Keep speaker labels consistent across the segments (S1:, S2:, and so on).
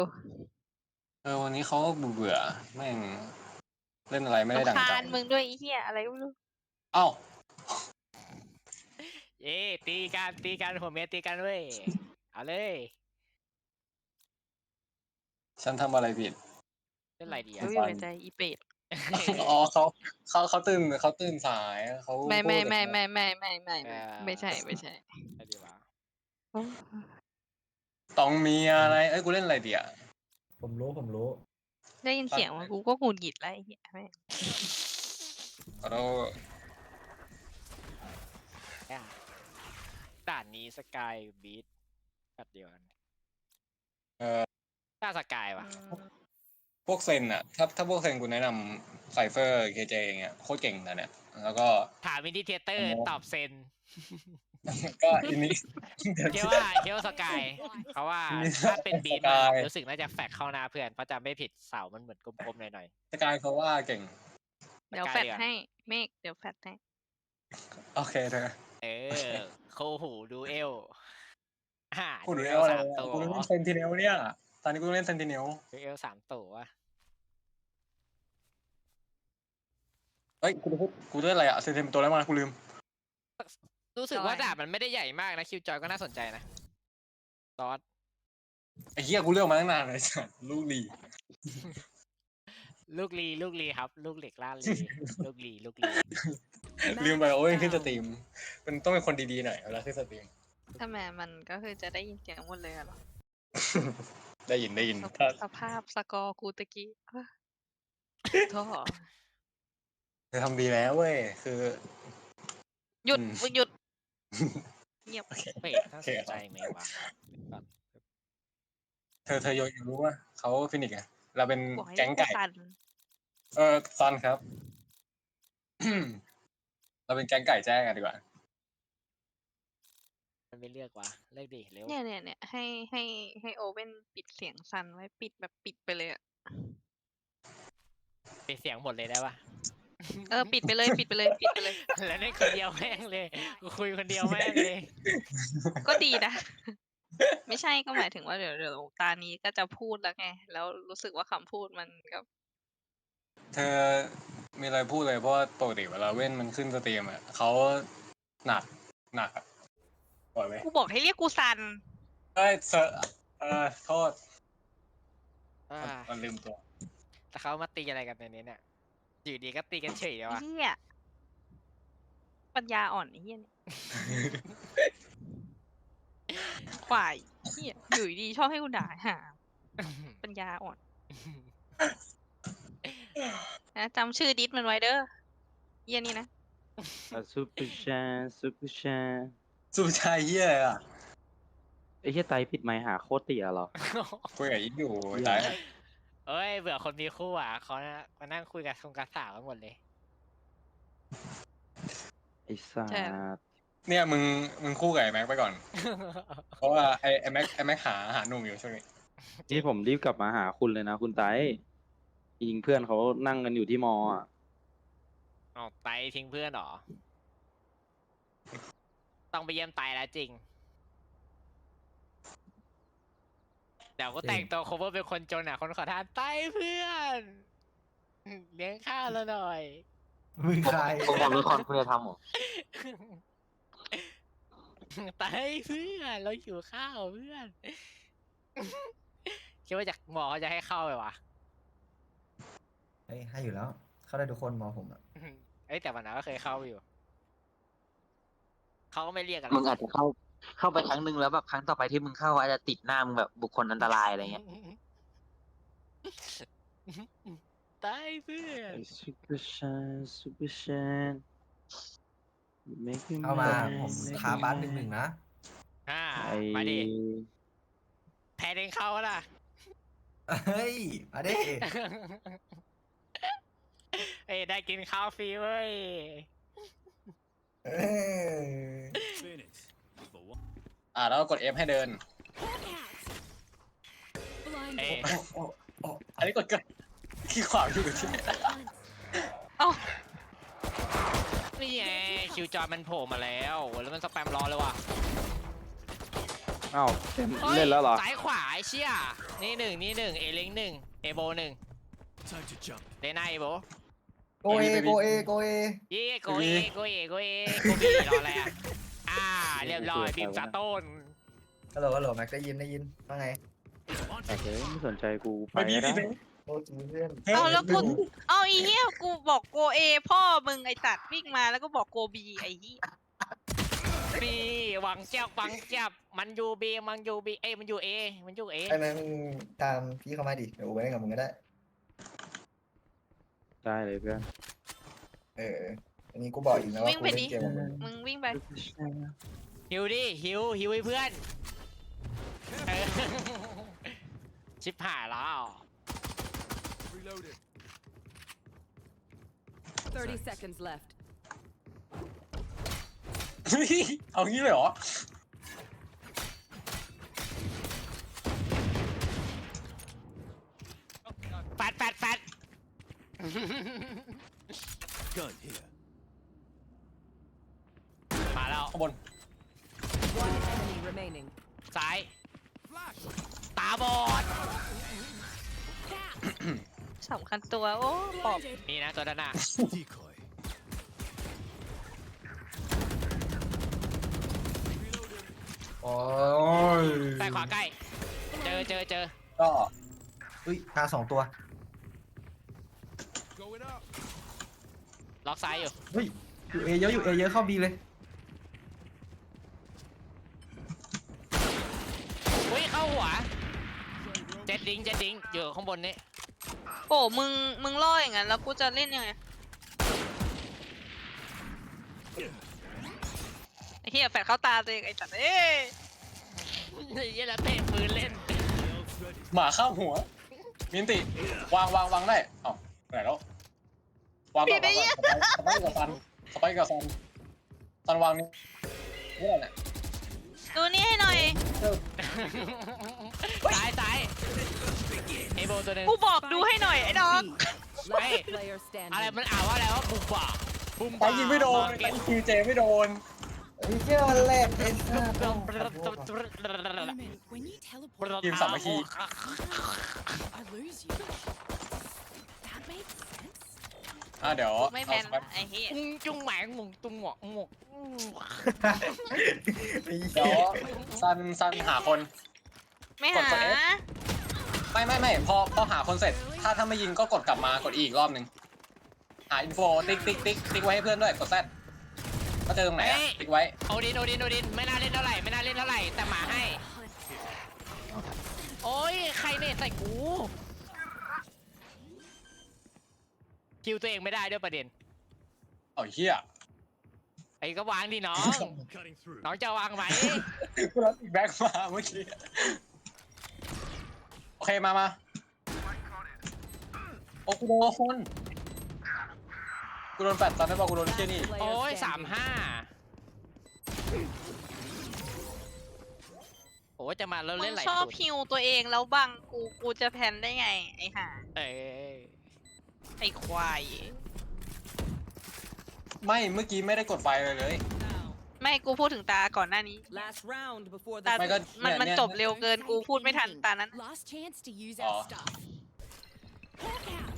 S1: วันนี้เขาเบื่อแม่งเล่นอะไรไม่ได้ดังใจ
S2: รำคาญมึงด้วยไอ้เหี้ยอะไรก็ไม่รู้
S1: เอ้า
S3: ตีกันหัวเมียตีกันเว้ยเอาเลย
S1: ฉันทำอะไรผิด
S3: เล่นอะไรดี
S2: รู้
S3: อ่ะ
S2: อยู่ในใจอีเป็ด
S1: อ๋อเขาตื่นสายเขา
S2: ไม่
S1: พูด
S2: ใช่ไม่ใช่
S3: อะไรดีวะ
S2: โอ้
S1: ต้องมีอะไรกูเล่นอะไรดีอ่ะ
S4: ผมรู้
S2: ได้ยินเสียงมันกูก็หงุดหงิดแล้วไอ้เหี้ยแม่ง
S1: เรา
S3: ด่านนี้สกายบีทแบบเดียวกัน ถ้าสกายวะ
S1: พวกเซนอ่ะถ้าพวกเซนกูแนะนำไซเฟอร์เคเจอย่างเงี้ยโคตรเก่งนะเนี่ยแล้วก็
S3: ถามมินิเทเตอร์ตอบเซน
S1: ก็อินนี้
S3: เชื่อว่าสกายเพราะว่าถ้าเป็นบีทรู้สึกน่าจะแฟกเข้าหน้าเพื่อนเพราะจะไม่ผิดเสามันเหมือนกลมๆหน่อย
S1: สกายเขาว่าเก่ง
S2: เดี๋ยวแฟดให้เมฆเดี๋ยวแฟดให้
S1: โอเคเธอ
S3: โคหูดูเอล
S1: กูดูอะไร
S3: 3 ตัว
S1: กูเล่นเซนติเนลเนี่ยตอนนี้กูเล่นเซนติเนล
S3: ดูเอล3 ตัว
S1: เฮ้ยกูเล่นอะไรอ่ะเซนติเนลตัวแล้วมากูลืม
S3: รู้สึกว่าดาบมันไม่ได้ใหญ่มากนะคิวจอยก็น่าสนใจนะซอส
S1: ไอ้เหี้ยกูเลือกมาตั้งนานเลยจ้ะลูกลี
S3: ลูกลีครับ ลูกเหล็กล่าลีลูกลี
S1: ลืมไปโอ้ยขึ้นสตรีมมันต้องเป็นคนดีๆหน่อยเวลาขึ้นสตรีม
S2: ถ้าแม่มันก็คือจะได้ยินเสียงหมดเลยอะเหรอ
S1: ได้ยินถ้า
S2: สภาพสกอร์กูตะกี้โทษ
S1: เธอทำดีแล้วเว้ยคือ
S2: หยุด
S1: อืม
S2: มึงหยุดเงียบ
S3: เฮ้ยน่าสนใจไหมวะ
S1: เธออยากรู้ว่าเขาฟินิกซ์ไงเราเป็น
S2: บอกให้
S1: แก๊งไก่
S2: สั่น
S1: ซันครับ เราเป็นแก๊งไก่แจ้งกันดีกว่า
S3: มันไม่เลือกวะเลือกดิเร็ว
S2: เนี่ยให้โอเว่นปิดเสียงสั่นไว้ปิดแบบปิดไปเลยอะ
S3: ปิดเสียงหมดเลยได้ปะ
S2: ปิดไปเลย
S3: แล้วนี่คนเดียวแม่งเลยกูคุยคนเดียวแม่งเลย
S2: ก็ดีนะ ไม่ใช่ก็หมายถึงว่าเดี๋ยวตานี้ก็จะพูดแล้วไง แล้วรู้สึกว่าคำพูดมันก็
S1: เธอมีอะไรพูดเลยเพราะว่าปกติเวลาเว้นมันขึ้นสตรีมอ่ะเขาหนักอ่ะปล่อยไหม
S2: กูบอกให้เรียกกูซัน
S1: เอ้ยโทษ
S3: อ่า
S1: มันลืมตัว
S3: แต่เขามาตีอะไรกันในนี้เนี่ยอยู่ดีก็ตีกันเฉยเลยวะ
S2: เฮียปัญญาอ่อนไอ้เฮียเนี่ยควายเฮียอยู่ดีชอบให้กูด่าหาปัญญาอ่อนนะจำชื่อดิสมันไว้เด้อเฮียนี่นะ
S4: ซูเปอร์ชา
S1: สุชายเฮียอะไรอ่ะ
S4: ไอ้เหี้ยไตปิดไมค์หาโคตรเตี๋ยเหรอ
S1: คุยกับอีกอยู่ตาย
S3: เอ้ยเบื่อคนมีคู่อ่ะเขามานั่งคุยกับคงกระสาวกันหมดเลย
S4: ไอ้สัส
S1: เนี่ยมึงคู่กับไอ้แม็กไปก่อน เพราะว่าไอ้แม็กหาหนุ่มอยู่ช่วงนี้
S4: นี่ผมรีบกลับมาหาคุณเลยนะคุณไตจริงๆเพื่อนเขานั่งกันอยู่ที่มออ่ะ
S3: อ๋อไตทิ้งเพื่อนเหรอ ต้องไปเยี่ยมไตแล้วจริง เดี๋ยวก็แต่งตัว cover เป็นคนจนอ่ะ คนขอทานไตเพื่อนเลี้ยงข้าวแล้วหน่อย
S5: มึงใคร
S6: ผมบอกรู้คนคุณจะทำเหรอ
S3: ไตเพื่อนเราหิวข้าวเพื่อน คิดว่าจากหมอเขาจะให้เข้าไปวะ
S5: เฮ้ยให้อยู่แล้ว เข้าได้ทุกคนมอผมอ่ะ
S3: เอ้ยแต่วันนั้นก็เคยเข้าอยู่ เขาก็ไม่เรียกกัน
S6: มึงอาจจะเข้าไปครั้งหนึ่งแล้วแบบครั้งต่อไปที่มึงเข้าอาจจะติดหน้ามึงแบบบุคคลอันตรายอะไรเงี้ย
S3: ตายเพื่อน
S4: ซูเปอร์ชา
S5: เอามาผมท้าบ้าน1-1นะ
S3: มาดิแพ้เองเข้าล่ะ
S5: เฮ้ย มาดิ
S3: เอ้ยได้กินข้าวฟรีเว้ย
S5: เออ
S1: แล้วก็กด F ให้เดิน
S3: เอ้ย
S1: อันนี้กดเกินขี้ขวางอยู่ที่
S2: เอ้า
S3: นี่ไงคิวจอยมันโผล่มาแล้ว แล้วมันสแปมรอเลยว่ะ
S4: อ้าวเต็ม
S3: ฮ้ย
S4: เล่นแล้วเหรอ
S3: ซ้ายขวาไอ้เชี่ยนี่หนึ่งนี่หนึ่งเอลิงหนึ่งเอโบหนึ่งเลน่าเอโบ
S5: โกเอโกเอโกเอ
S3: เย่โกเอโกเอโกเอโกบีรออะไรอ่ะเรียบร้อยบีมซาต้น
S5: ฮัลโหลฮัลโหลแม็กได้ยินว่าไง
S4: แต่เฮ้ยไม่สนใจกูไป
S1: ไปดี
S4: ก็
S1: ดิ
S4: ได้
S5: โอ้จีเพื่อน
S2: เอาแล้วกูเอาไอ้เหี้ยกูบอกโกเอพ่อมึงไอ้ตัดวิ่งมาแล้วก็บอกโกบีไอ้เหี้ย
S3: บีหวังเจ้าหวังจับมันอยู่บีมันอยู่บีเอ้ยมันอยู่เอมันอยู่เอ
S5: ไอ้แม่งตามพี่เข้ามาดิเดี๋ยวกูไปเล่นกับมึงก็ได้
S4: ได้เลยเพื่อน
S5: อันนี้กูบอกอีกนะว่า
S2: วิ่ง
S5: กู
S2: ไป
S5: เล่
S2: ดิ
S5: นเกมกับมึง
S2: มึงวิ่งไป
S3: หิวดิหิวให้เพื่อนเออชิบหายแล้ว
S7: 30 seconds left.
S1: เอางี้เลยเหรอ
S3: แฟดมาแล้ว
S1: ข้างบน
S7: One enemy remaining.
S3: ซ้ายตาบอด
S2: สำคัญตัวโอ้ปอบ
S3: นี่นะตัวด้านหน้า
S5: โอ้ย
S3: ซ้ายขวาใกล้เจอ
S1: ก็
S5: อุ้ยตา2 ตัว
S3: ล็อกซ้ายอยู่
S5: เฮ้ยอยู่เอเยอะเข้าบีเลย
S3: อุ้ยเข้าหัวเจ็ดดิงอยู่ข้างบนนี้
S2: โอ้มึงล่ออย่างนั้นแล้วกูจะเล่นยังไงไอ้เหี้ยแฝดเข้าตาตัวเองไอ้ตัดเอ้ย
S3: ยี่แล้วเตะปืนเล่น
S1: หมาเข้าหัวมินติวางได้เอ้าไหนแล้ววางก่อนสไปกับซันวางนี่นี่แหละ
S2: ดูนี่ให้หน่อย
S3: ซ้ายเอโบตัวหนึง
S2: กูบอกดูให้หน่อยไอ้ดอก
S7: Last player
S3: อะไร
S7: standing.
S3: มันอ่านว่าอะไรว่าบุมบ่า
S1: ไปยิงไม่โดนไปคิวเจไม่โดน
S5: ไอ้เจ้ามันแหลกไอ้สัส
S7: When you teleport,
S1: ทีมสามัคคี
S7: I lose you. That made sense.
S1: เดี๋ยว
S2: ไม่แมนไอ้เหี้ย
S3: จุ้งแหมงมุงตุ้งหมวกหมวก
S1: เดี๋ยวซันหาคน
S2: ไม่หา
S1: ไม่พอหาคนเสร็จ ถ้าไม่ยิงก็กดกลับมากดอีกรอบหนึ่งหาอินโฟติ๊กไว้ให้เพื่อนด้วยกดแซดก็เจอตรงไหนติ๊กไว้
S3: โอดินไม่น่าเล่นเท่าไหร่แต่หมาให้โอ้ยใครเนี่ยใส่กูคิวตัวเองไม่ได้ด้วยประเด็น
S1: เอาเหี้ย
S3: ไอ้ก็วางดิน้อง น้องจะวางไหม
S1: กูรับอีกแบ็กมาเมื่อกี้โอเคมาโอ้กูโดนคนกูโดนแฟดตอนนั้นบอกกูโดนเชี่ยนี่
S3: โอ้ย
S7: Player standing.
S3: 35โอ้ยจะมาแล้ว
S2: มึ
S3: เล่น
S2: ง
S3: ไหล
S2: ชอบ
S3: สุด
S2: ฮิวตัวเองแล้วบังกูจะแพนได้ไงไอ้ห่า
S3: เอ้ย
S2: ไอ้ควาย
S1: ไม่เมื่อกี้ไม่ได้กดไฟเลย
S2: ไม่กูพูดถึงตาก่อนหน้านี้
S7: Last round before
S2: ตา
S7: the
S1: ไม่ก็
S2: มันจบเร็วเกินกูพูดไม่ทันตานั้น
S7: last chance to use
S1: Oh.
S7: our stuff. Hawk out.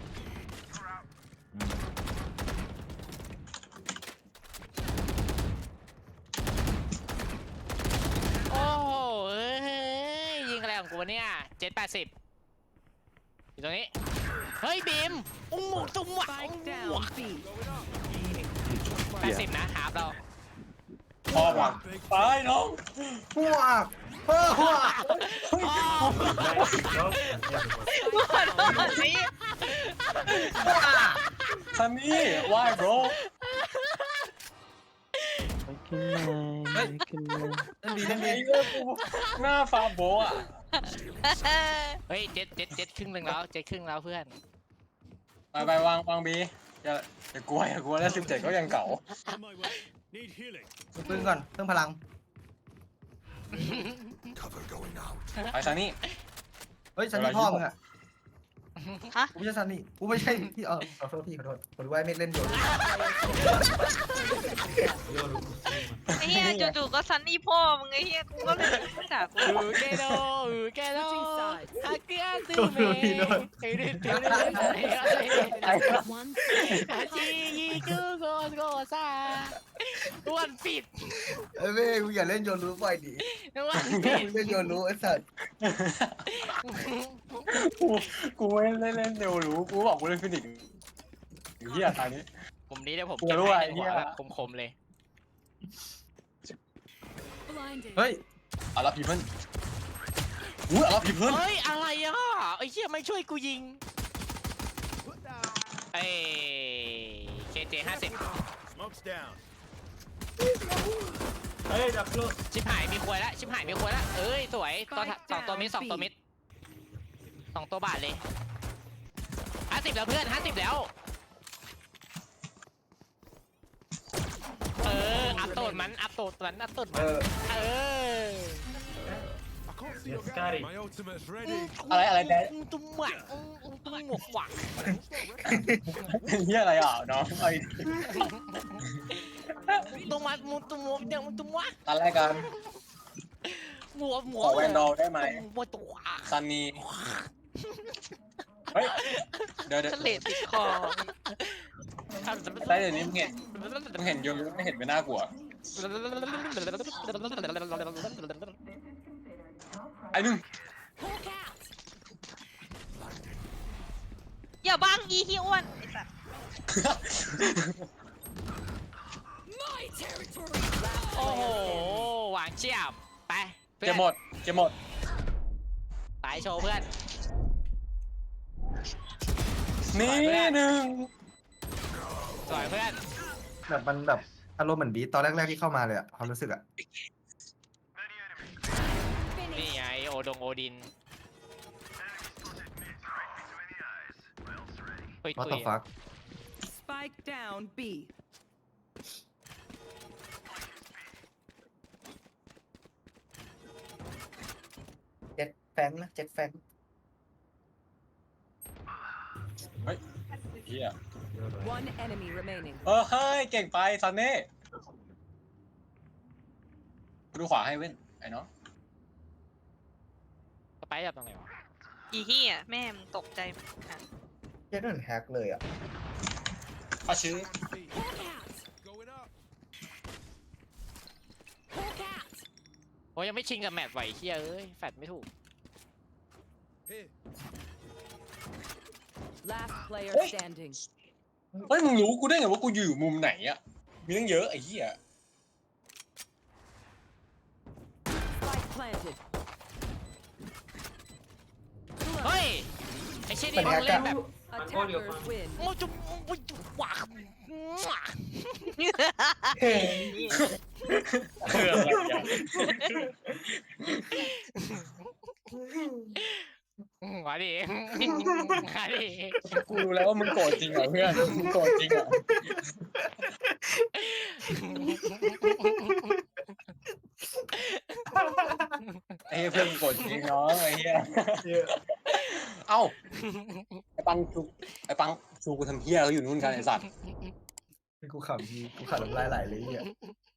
S3: โอ้โหเอ้ยยิงอะไรของกูเนี่ย780อยู่ตรงนี้เฮ้ยบีมอุ้งหมูตุ้มหวะ
S7: Spike down B.
S3: 80นะหาบเรา
S1: พอวางไปน้อง
S5: หัวหัว
S2: กูขอโทษสิ
S1: ซันนี่วายโบร
S4: ไม่ขึ้นเลย
S5: เล่นดี
S1: ไอ้เรื่องกูหน้าฟาโบอ่ะ
S3: เฮ้ยเจ็ดครึ่งหนึ่งแล้วเจ็ดครึ่งแล้วเพื่อน
S1: ไปวางบีอย่ากลัวแล้ว17ก็ยังเก่า
S5: ปืนก่อนเพิ่มพลัง
S1: ไปซันนี่
S5: เฮ้ยฉันนี่พ่อมึงอะ
S2: ฮะ
S5: กูไม่ใช่ซันนี่กูไม่ใช่พี่ขอโทษพี่ขอโทษผมรู้ว่าเมฆเล่นโยน
S2: ไอ้เหี้ยจู่ๆก็ซันนี่พ่อมึงไอ้เหี้ยกูก็เลยไม่ด่ากู
S3: แกโดแกโด
S7: Switching sides.
S3: ฮักเกียร์ซูเมไอ้ดิจิ
S7: One
S3: อาจียีกูโกโกซาอ้วนปิด
S5: เอ้ยเมฆกูอย่าเล่นโยนรู้บ่อยดิ
S3: อ้วนปิด
S5: เล่นโยนรู้ไอ้สัตว์
S1: กูไม่เล่นเร็วรู้กูบอกกูเล่นฟินิกส์เฮียตอนนี้
S3: ผมนี้เดี๋ยวผม
S1: กู
S3: เก็บ
S1: รู้
S3: ให้
S1: ว่า
S3: ใน
S1: ไอ้
S3: หั
S1: เหี้
S3: วย แบบคมๆเลย
S7: blinded.
S5: เฮ้ย
S1: เอาละพีเพิลอุ้ยเอาละพีเพิล
S3: เฮ้ยอะไรอ่ะไอ้เหี้ยไม่ช่วยกูยิงเอ้เคเจ50
S8: Smoke's down.
S3: ชิบหายมีควยแล้วชิบหายมีควยแล้วเอ้ยสวยตัวสองตัวมิดสองตัวมิดสองตัวบาทเลย50แล้วเพื่อน50แล้วอัพโตดมันอัพโตดมันอัพโตดมันเออ
S8: I can't see your guy. My ultimate's ready.
S1: อะไรแดน
S3: ตุ้มหวังตุ้มหมวกหวัง
S1: เฮียอะไรอ่ะน้องไอ้
S3: ตุ้มมัดมุตุ้มมุเดี๋ยวตุ้มวะ
S1: ตอนแรกกัน
S3: หมวก
S1: ขอแวนดอลได้ไหม
S3: หมวกตัว
S1: ซันนี่เฮ้ยเดี๋ยว
S2: ทะเลติดคอ
S1: ได้เดี๋ยวนี้มึงเห็นโยนไม่เห็นไม่น่ากลัวไอ้หนึ่ง
S7: Hawk out.
S2: อย่าบังอีที่อ้วนไอ้สัส
S7: My territory.
S3: โอ้โหหวานเจี๊ยบไป
S1: เก็บหมดเก็บหมด
S3: ตายโชว์เพื่อน
S1: นี่หนึ่ง
S3: สวยเพื่อน
S5: แบบมันแบบอารมณ์เหมือนบีตอนแรกๆที่เข้ามาเลยอะความรู้สึกอะ
S3: นี่ไงโอดงโอดินตุย
S5: ว่า
S3: ตุ
S5: ต่อย ฟัก
S7: Spike down B.
S5: เจ็ดแฟงนะเจ็ดแฟง
S1: เฮีย
S7: One enemy remaining.
S1: เฮ้ยเก่งไปซันเน่ดูขวาให้เว้นไอ้น้อง
S3: สไปร์จับตรงไหนวะ
S2: อีเหี้ยแม่มึงตกใจมั้ยอ่ะ
S5: เจ็ดโดนแฮกเลยอะ
S1: เอาชื่อ
S7: Hawk out.
S8: Going up.
S7: Hawk out.
S3: โอ้ยยังไม่ชิงกับแมตช์ไหวเฮียเอ้ยแฟดไม่ถูก
S8: Here.
S7: Last player standing.
S1: เฮ้ยมึงรู้กูได้ไงว่ากูอยู่มุมไหนอ่ะมีตั้งเยอะไอ้เหี้ย
S7: Spike planted.
S3: เฮ้ยไอเช่นนี่มึงเล่นแบบ
S7: Attackers win.
S3: โอ้จุ๊บโอ้ยหวาน
S1: คืออะไรอ่ะ
S3: มาดิมาดิ
S1: กูรู้แล้วว่ามึงโกรธจริงเหรอเพื่อนมึงโกรธจริงเหรอไอ้เหี้ยเพื่อนมึงโกรธจริงน้องไอ้เหี้ยเอ้าไอ้ปังชูกูทำเหี้ยเขาอยู่นู่นกันไอ้สัตว์
S5: กูขำน้ำลายไหลเลยเนี่ย